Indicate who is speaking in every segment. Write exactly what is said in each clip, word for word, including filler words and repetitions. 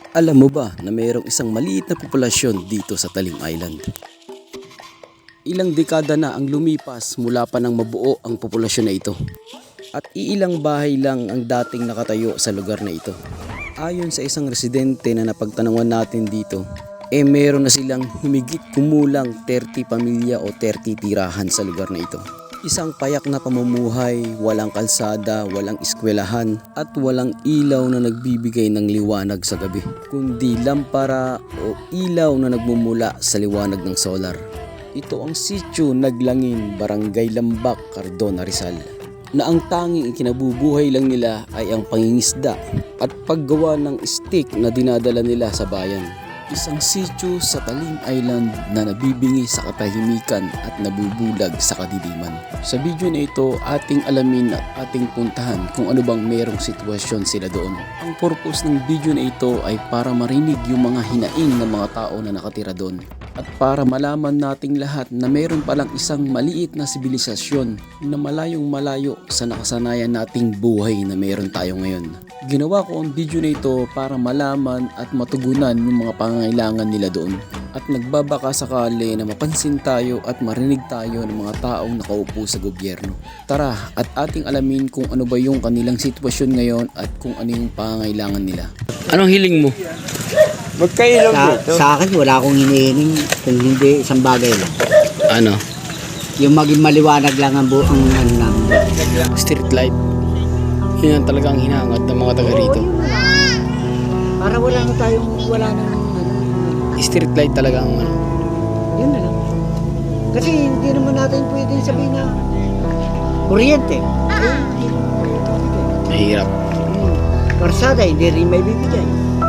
Speaker 1: Alam mo ba na mayroong isang maliit na populasyon dito sa Talim Island? Ilang dekada na ang lumipas mula pa nang mabuo ang populasyon na ito. At iilang bahay lang ang dating nakatayo sa lugar na ito. Ayon sa isang residente na napagtanungan natin dito, eh meron na silang humigit kumulang thirty pamilya o thirty tirahan sa lugar na ito. Isang payak na pamumuhay, walang kalsada, walang eskwelahan at walang ilaw na nagbibigay ng liwanag sa gabi, kundi lampara o ilaw na nagmumula sa liwanag ng solar. Ito ang Sitio Naglangin, Barangay Lambak, Cardona, Rizal, na ang tanging ikinabubuhay lang nila ay ang pangingisda at paggawa ng stick na dinadala nila sa bayan. Isang sitio sa Talim Island na nabibingi sa katahimikan at nabubulag sa kadiliman. Sa video na ito, ating alamin at ating puntahan kung ano bang merong sitwasyon sila doon. Ang purpose ng video na ito ay para marinig yung mga hinaing ng mga tao na nakatira doon. At para malaman nating lahat na meron palang isang maliit na sibilisasyon na malayong malayo sa nakasanayan nating buhay na meron tayo ngayon. Ginawa ko ang video na ito para malaman at matugunan yung mga pangangailangan nila doon. At nagbabaka sakali na mapansin tayo at marinig tayo ng mga taong nakaupo sa gobyerno. Tara at ating alamin kung ano ba yung kanilang sitwasyon ngayon at kung ano yung pangangailangan nila. Anong hiling mo?
Speaker 2: Magkailaw
Speaker 3: Sa,
Speaker 2: dito.
Speaker 3: sa akin, wala akong hinihiling kung hindi isang bagay lang.
Speaker 1: Ano?
Speaker 3: Yung maging maliwanag lang ang buong ano lang.
Speaker 1: Street light. Yun ang talagang hinahangat ng mga taga rito.
Speaker 3: Para wala na tayong, wala na ano.
Speaker 1: Street light talaga ang ano.
Speaker 3: Yun na lang. Kasi hindi naman natin pwedeng sabihin na kuryente. Eh, hindi naman pwedeng bibigay.
Speaker 1: Mahirap.
Speaker 3: Hmm. Karsada, hindi rin may bibigay.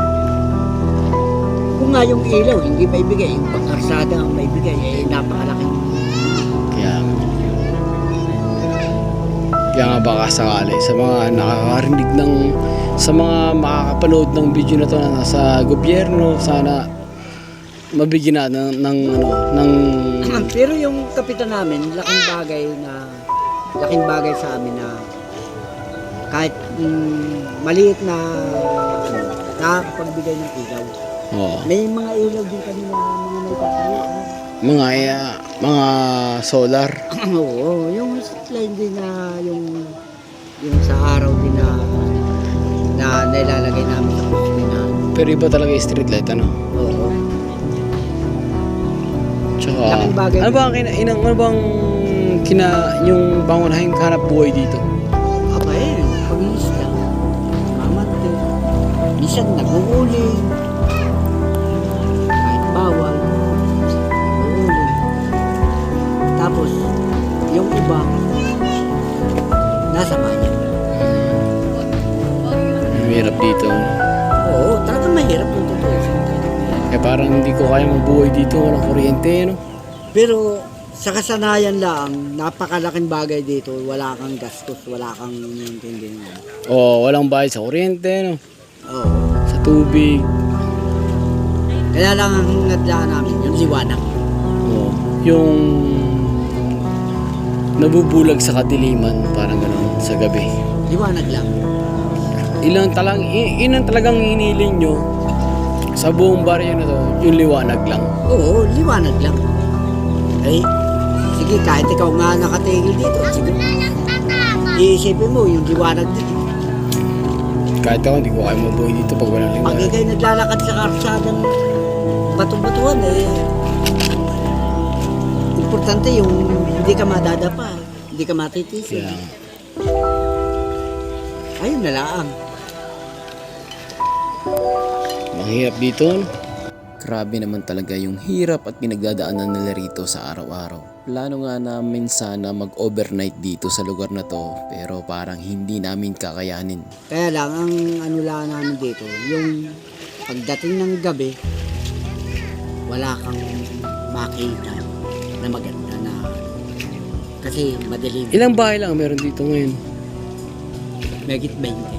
Speaker 3: Kung nga yung ilaw, hindi may bigay. Yung pangkarsada ang may bigay, eh napakalaki.
Speaker 1: Kaya Kaya nga baka sakali sa mga nakakarinig ng sa mga makakapanood ng video na to na nasa gobyerno, sana mabigyan na ng, ng ano ng
Speaker 3: Pero yung kapitan namin, laking bagay na laking bagay sa amin na kahit mm, maliit na ano, nakakapagbigay ng ilaw.
Speaker 1: oh,
Speaker 3: May mga ilaw din kami na mga may tatayo.
Speaker 1: mga uh, mga solar.
Speaker 3: Oo, yung line din na yung yung sa araw din na na nilalagay namin sa poste na.
Speaker 1: Pero iba talaga yung street light ano.
Speaker 3: Oo.
Speaker 1: Tsaka
Speaker 3: Laking bagay.
Speaker 1: ano ba ang kina, inang, ano bang kina yung pangunahing hanap buhay dito?
Speaker 3: Aba eh, pag-iisla. Mamante. Minsan nag-uuli. Kahit bawal. Nag-uuli. Tapos, yung iba, nasa bayan.
Speaker 1: Mahirap dito.
Speaker 3: Oo, talagang mahirap kung totoo.
Speaker 1: Eh parang hindi ko kaya mabuhay dito, walang kuryente, no?
Speaker 3: Pero, sa kasanayan lang, napakalaking bagay dito. Wala kang gastos, wala kang intindihan.
Speaker 1: Oh, walang bayad sa kuryente, no?
Speaker 3: Oo.
Speaker 1: Sa tubig.
Speaker 3: Kaya lang ang nadlaan namin, yung liwanag.
Speaker 1: Oh, yung nabubulag sa kadiliman, parang gano'n, sa gabi.
Speaker 3: Liwanag lang.
Speaker 1: Ilang talang, i- ilang talagang hiniling nyo sa buong baryo na to, yung liwanag lang.
Speaker 3: Oo, liwanag lang. Eh, sige, kahit ikaw nga nakatigil dito, sige. Iisipin mo, yung liwanag dito.
Speaker 1: Kahit ako, hindi ko kaya mabuhay dito pag walang
Speaker 3: Pag
Speaker 1: liwanag.
Speaker 3: ikaw'y naglalakad sa karsadang bato-batuhan, eh, importante yung hindi ka madadapa, hindi ka matitisin.
Speaker 1: Kaya,
Speaker 3: Ayun na lang.
Speaker 1: mahirap dito, no? Grabe naman talaga yung hirap at pinagdadaanan nila rito sa araw-araw. Plano nga namin sana mag-overnight dito sa lugar na to, pero parang hindi namin kakayanin.
Speaker 3: Kaya lang, ang ano lang namin dito, yung pagdating ng gabi, wala kang makita na maganda na kasi madilim.
Speaker 1: Ilang bahay lang meron dito ngayon?
Speaker 3: Megit twenty.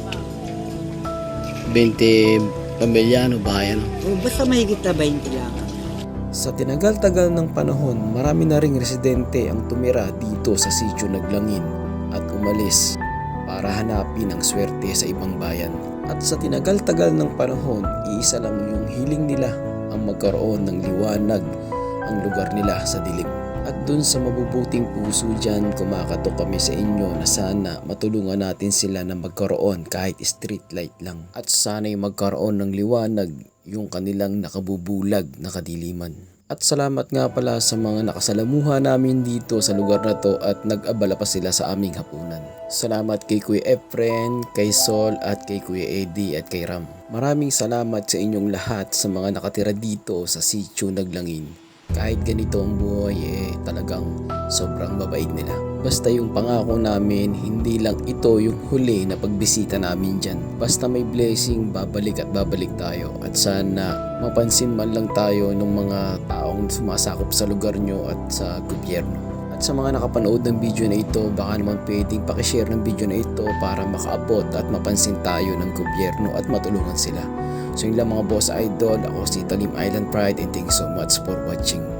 Speaker 1: twenty pamilya, no? Bahay, no?
Speaker 3: O basta mahigit na twenty lang.
Speaker 1: Sa tinagal-tagal ng panahon, marami na ring residente ang tumira dito sa Sitio Naglangin at umalis para hanapin ang swerte sa ibang bayan. At sa tinagal-tagal ng panahon, iisa lang yung hiling nila ang magkaroon ng liwanag ang lugar nila sa dilim. At dun sa mabubuting puso dyan, kumakatok kami sa inyo na sana matulungan natin sila na magkaroon kahit street light lang. At sana'y magkaroon ng liwanag yung kanilang nakabubulag na kadiliman. At salamat nga pala sa mga nakasalamuha namin dito sa lugar na to at nag-abala pa sila sa aming hapunan. Salamat kay Kuya Efren, kay Sol at kay Kuya Eddie at kay Ram. Maraming salamat sa inyong lahat sa mga nakatira dito sa Sitio Naglangin. Kahit ganito ang buhay eh talagang sobrang mabait nila. Basta yung pangako namin, hindi lang ito yung huli na pagbisita namin dyan. Basta may blessing, babalik at babalik tayo. At sana mapansin man lang tayo ng mga taong sumasakop sa lugar nyo at sa gobyerno. At sa mga nakapanood ng video na ito, baka naman pwedeng pakishare ng video na ito para makaabot at mapansin tayo ng gobyerno at matulungan sila. So yun lang mga boss idol, ako si Talim Island Pride and thank you so much for watching.